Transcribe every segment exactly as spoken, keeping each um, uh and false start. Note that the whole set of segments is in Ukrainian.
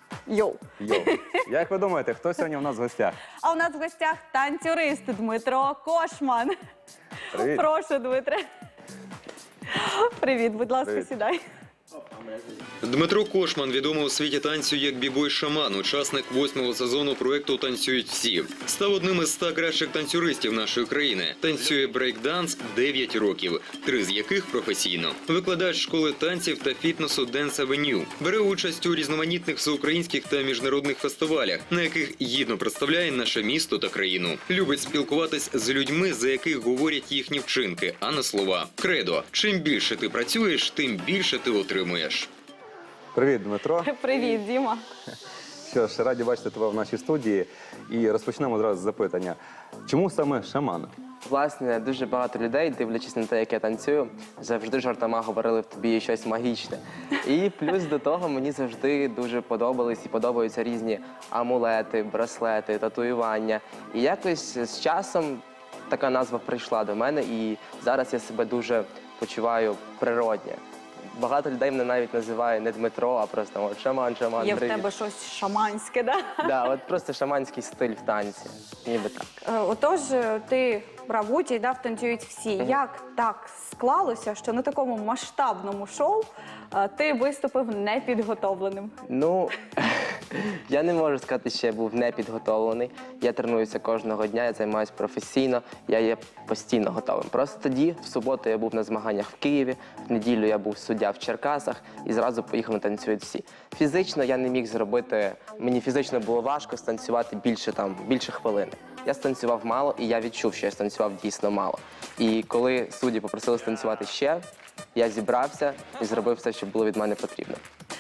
Йоу. Йоу. Як ви думаєте, хто сьогодні у нас в гостях? А у нас в гостях танцюрист Дмитро Кошман. Привіт. Прошу, Дмитре. Привіт, будь ласка, Привіт. сідай. Дмитро Кошман відомий у світі танцю як бібой-шаман, учасник восьмого сезону проєкту «Танцюють всі». Став одним із ста кращих танцюристів нашої країни. Танцює брейк-данс дев'ять років, три з яких професійно. Викладач школи танців та фітнесу Dance Avenue. Бере участь у різноманітних всеукраїнських та міжнародних фестивалях, на яких гідно представляє наше місто та країну. Любить спілкуватись з людьми, за яких говорять їхні вчинки, а не слова. Кредо. Чим більше ти працюєш, тим більше ти отримуєш. Привіт, Дмитро. Привіт, Діма. Що ж, раді бачити тебе в нашій студії. І розпочнемо одразу з запитання. Чому саме шаман? Власне, дуже багато людей, дивлячись на те, як я танцюю, завжди жартома говорили в тобі є щось магічне. І плюс до того мені завжди дуже подобались і подобаються різні амулети, браслети, татуювання. І якось з часом така назва прийшла до мене, і зараз я себе дуже почуваю природньо. Багато людей мене навіть називає не Дмитро, а просто от, шаман, шаман, Є в привіт. тебе щось шаманське, да? Да, от просто шаманський стиль в танці, ніби так. Е, Отож, е, ти брав участь, да, в «Танцюють всі». Як так склалося, що на такому масштабному шоу е, ти виступив непідготовленим? Ну, я не можу сказати, що я був непідготовлений. Я тренуюся кожного дня, я займаюся професійно, я є постійно готовим. Просто тоді, в суботу, я був на змаганнях в Києві, в неділю я був суддя в Черкасах і зразу поїхав на «Танцюють всі». Фізично я не міг зробити, мені фізично було важко станцювати більше, там, більше хвилини. Я станцював мало, і я відчув, що я станцював дійсно мало. І коли судді попросили станцювати ще, я зібрався і зробив все, що було від мене потрібно.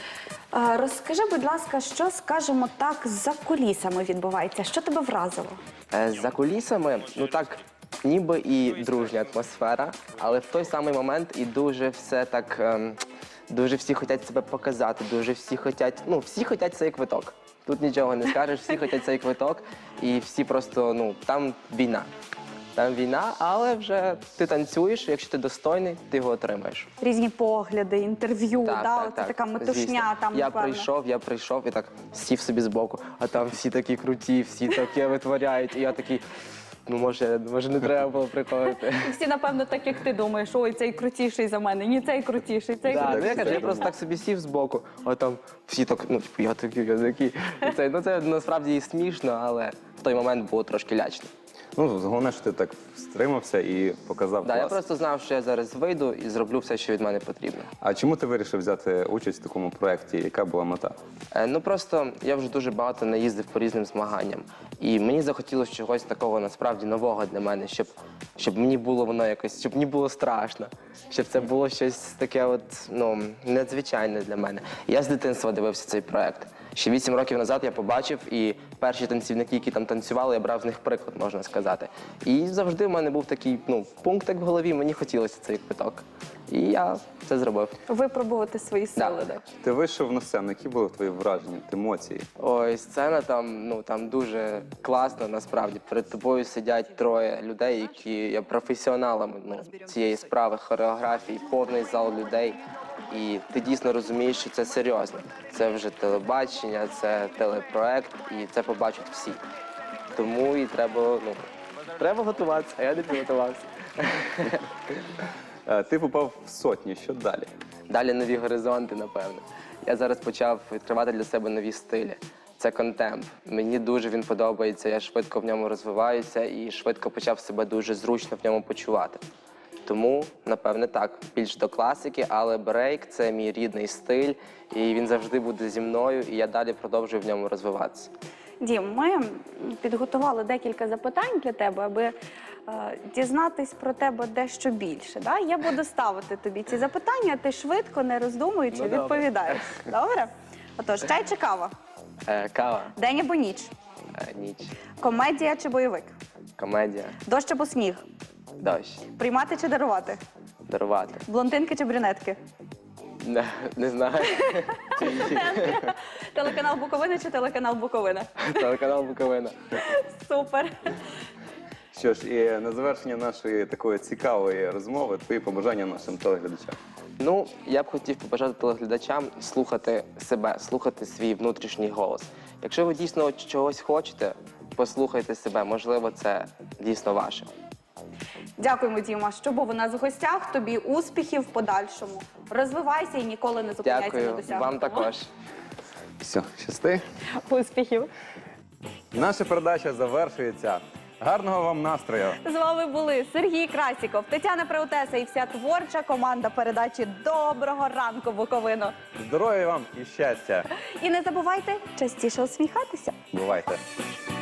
Е, Розкажи, будь ласка, що, скажімо так, за кулісами відбувається? Що тебе вразило? Е, За кулісами, ну так, ніби і дружня атмосфера, але в той самий момент і дуже все так, ем, дуже всі хочуть себе показати, дуже всі хочуть, ну, всі хочуть цей квиток. Тут нічого не скажеш, всі хочуть цей квиток, і всі просто, ну, там війна. Там війна, але вже ти танцюєш, якщо ти достойний, ти його отримаєш. Різні погляди, інтерв'ю, Так, да? так, Оце так, така метушня звісно. там, Я напевно. прийшов, я прийшов і так сів собі збоку, а там всі такі круті, всі таке витворяють, і я такий, ну, може, може не треба було приходити. І всі, напевно, так, як ти думаєш, ой, цей крутіший за мене, ні, цей крутіший, цей Да, ну, крутіший. я кажу, я просто так собі сів збоку, а там всі так, ну, типу, я такий, я такий. І це, ну, це насправді і смішно, але в той момент було трошки лячно. Ну, головне, що ти так стримався і показав Да, клас. я просто знав, що я зараз вийду і зроблю все, що від мене потрібно. А чому ти вирішив взяти участь в такому проєкті? Яка була мета? Е, Ну просто я вже дуже багато наїздив по різним змаганням. І мені захотілося чогось такого насправді нового для мене, щоб, щоб мені було воно якось, щоб мені було страшно, щоб це було щось таке от, ну, надзвичайне для мене. Я з дитинства дивився цей проект. Ще вісім років назад я побачив, і перші танцівники, які там танцювали, я брав з них приклад, можна сказати. І завжди в мене був такий, ну, пунктик в голові, мені хотілося цей квиток. І я це зробив. Випробувати свої сили. Да. Ти вийшов на сцену, які були твої враження, емоції? Ой, сцена там, ну, там дуже класно, насправді. Перед тобою сидять троє людей, які є професіоналами, ну, цієї справи, хореографії, повний зал людей. І ти дійсно розумієш, що це серйозно. Це вже телебачення, це телепроект, і це побачать всі. Тому і треба, ну, треба готуватися, а я не підготувався. Е, Ти попав в сотні, що далі? Далі нові горизонти, напевно. Я зараз почав відкривати для себе нові стилі. Це контемп. Мені дуже він подобається, я швидко в ньому розвиваюся і швидко почав себе дуже зручно в ньому почувати. Тому, напевне, так, більш до класики, але брейк – це мій рідний стиль, і він завжди буде зі мною, і я далі продовжую в ньому розвиватися. Дім, ми підготували декілька запитань для тебе, аби е, дізнатись про тебе дещо більше. Да? Я буду ставити тобі ці запитання, ти швидко, не роздумуючи, Ну, добре. відповідаєш. Добре? Отож, чай чи кава? Е, кава, День або ніч? е, ніч, Комедія чи бойовик? комедія, Дощ або сніг? дощ, Приймати чи дарувати? дарувати. Блондинки чи брюнетки? Не, не знаю. Телеканал Буковина чи телеканал Буковина? Телеканал Буковина. Супер. Що ж, і на завершення нашої такої цікавої розмови твої побажання нашим телеглядачам. Ну, я б хотів побажати телеглядачам слухати себе, слухати свій внутрішній голос. Якщо ви дійсно чогось хочете, послухайте себе, можливо, це дійсно ваше. Дякуємо, Діма, що був у нас в гостях. Тобі успіхів в подальшому. Розвивайся і ніколи не зупиняйся на Дякую, досягнутому. вам також. Все, щасти. Успіхів. Наша передача завершується. Гарного вам настрою! З вами були Сергій Красіков, Тетяна Преутеса і вся творча команда передачі «Доброго ранку, Буковино». Здоров'я вам і щастя! І не забувайте частіше усміхатися. Бувайте!